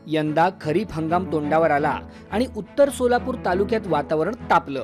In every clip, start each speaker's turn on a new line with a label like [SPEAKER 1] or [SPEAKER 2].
[SPEAKER 1] यंदा खरीप हंगाम तोंडावर आला आणि उत्तर सोलापूर तालुक्यात वातावरण तापलं.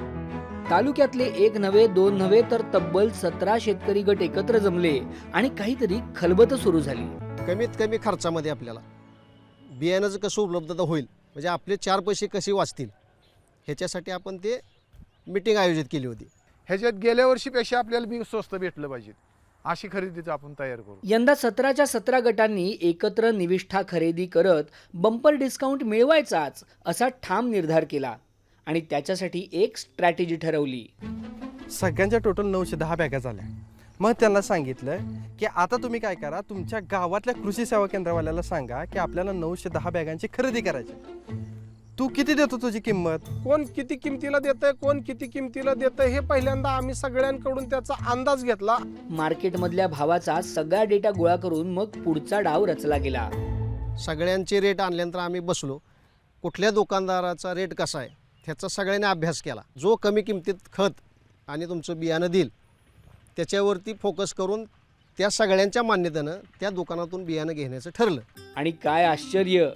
[SPEAKER 1] तालुक्यातले एक नव्हे दोन नव्हे तर तब्बल 17 शेतकरी गट एकत्र जमले आणि काहीतरी खलबत सुरू झाली.
[SPEAKER 2] कमीत कमी खर्चामध्ये आपल्याला बियाण्याचं कसं उपलब्धता होईल, म्हणजे आपले 4 पैसे कसे वाचतील, ह्याच्यासाठी आपण ते मीटिंग आयोजित केली होती.
[SPEAKER 3] ह्याच्यात गेल्या वर्षीपेक्षा आपल्याला बी स्वस्त भेटलं पाहिजे अशी खरेदीचं आपण तयार करू.
[SPEAKER 1] यंदा 17च्या 17 गटांनी एकत्र निविष्ठा खरेदी करत बंपर डिस्काउंट मिळवायचाच असा ठाम निर्धार केला आणि त्याच्यासाठी एक स्ट्रॅटेजी ठरवली.
[SPEAKER 4] सगळ्यांच्या टोटल 910 बॅगा झाल्या. मग त्यांना सांगितलं की आता तुम्ही काय करा, तुमच्या गावातल्या कृषी सेवा केंद्रवाल्याला सांगा की आपल्याला 910 बॅगांची खरेदी करायची. तू किती देतो तुझी किंमत,
[SPEAKER 5] कोण किती किमतीला देतंय, कोण किती किमतीला देतंय, हे पहिल्यांदा आम्ही सगळ्यांकडून त्याचा अंदाज घेतला.
[SPEAKER 1] मार्केटमधल्या भावाचा सगळा डेटा गोळा करून मग पुढचा डाव रचला गेला.
[SPEAKER 2] सगळ्यांचे रेट आणल्यानंतर आम्ही बसलो, कुठल्या दुकानदाराचा रेट कसा आहे ह्याचा सगळ्यांनी अभ्यास केला. जो कमी किमतीत खत आणि तुमचं बियाणं देईल त्याच्यावरती फोकस करून त्या सगळ्यांच्या मान्यतेनं त्या दुकानातून बियाणं घेण्याचं ठरलं.
[SPEAKER 1] आणि काय आश्चर्य,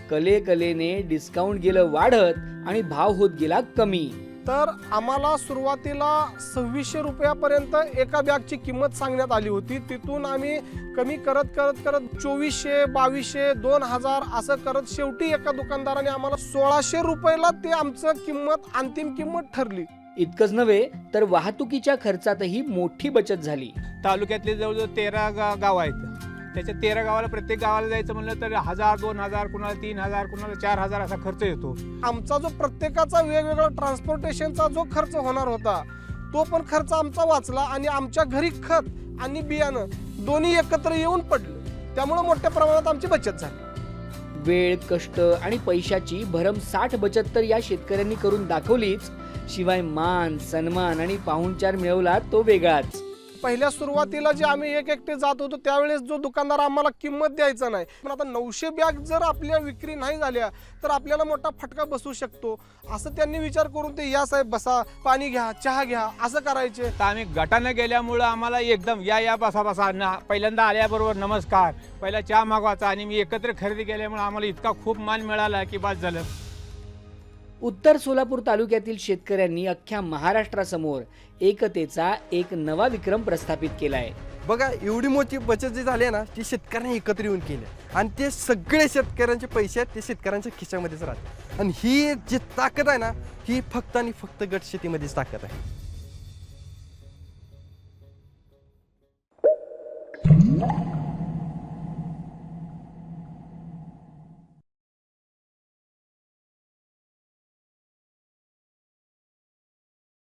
[SPEAKER 1] कलेने डिस्काउंट गेलं वाढत आणि भाव होत गेला कमी.
[SPEAKER 5] तर आम्हाला सुरुवातीला 2600 रुपयापर्यंत एका बॅगची किंमत सांगण्यात आली होती. तिथून आम्ही कमी करत 2400, 2200, 2000 असं करत शेवटी एका दुकानदाराने आम्हाला 1600 रुपयाला ते आमचं किंमत अंतिम किंमत ठरली.
[SPEAKER 1] इतकंच नव्हे तर वाहतुकीच्या खर्चातही मोठी बचत झाली.
[SPEAKER 6] तालुक्यातले जवळजवळ 13 गाव आहेत. त्याच्या 13 गावाला प्रत्येक गावाला जायचं म्हणलं तर 1000, 2000, कुणाला 3000, कुणाला 4000 असा खर्च येतो.
[SPEAKER 5] आमचा जो प्रत्येकाचा वेगवेगळा ट्रान्सपोर्टेशनचा जो खर्च होणार होता तो पण खर्च आमचा वाचला आणि आमच्या घरी खत आणि बियाणं दोन्ही एकत्र येऊन पडलं. त्यामुळे मोठ्या प्रमाणात आमची बचत झाली.
[SPEAKER 1] वेळ, कष्ट आणि पैशाची भरमसाठ बचत तर या शेतकऱ्यांनी करून दाखवलीच, शिवाय मान, सन्मान आणि पाहुणचार मिळवला तो वेगळाच.
[SPEAKER 5] पहिल्या सुरुवातीला जे आम्ही एक एकटे जात होतो त्यावेळेस जो दुकानदार आम्हाला किंमत द्यायचा नाही, पण आता 900 बॅग जर आपल्या विक्री नाही झाल्या तर आपल्याला मोठा फटका बसू शकतो असं त्यांनी विचार करून ते या साहेब बसा, पाणी घ्या, चहा घ्या असं करायचे.
[SPEAKER 6] तर आम्ही गटानं गेल्यामुळं आम्हाला एकदम या बसा पहिल्यांदा आल्याबरोबर नमस्कार, पहिला चहा मागवायचा आणि मी एकत्र खरेदी केल्यामुळे आम्हाला इतका खूप मान मिळाला की बस झालं.
[SPEAKER 1] उत्तर सोलापूर तालुक्यातील शेतकऱ्यांनी अख्ख्या महाराष्ट्रासमोर एकतेचा एक नवा विक्रम प्रस्थापित केलाय.
[SPEAKER 4] बघा एवढी मोठी बचत जी झाली आहे ना ती शेतकऱ्यांनी एकत्र येऊन केली आणि ते सगळे शेतकऱ्यांचे पैसे आहेत ते शेतकऱ्यांच्या खिशामध्येच राहतात. आणि ही जी ताकद आहे ना ही फक्त आणि फक्त गट शेतीमध्येच ताकद आहे.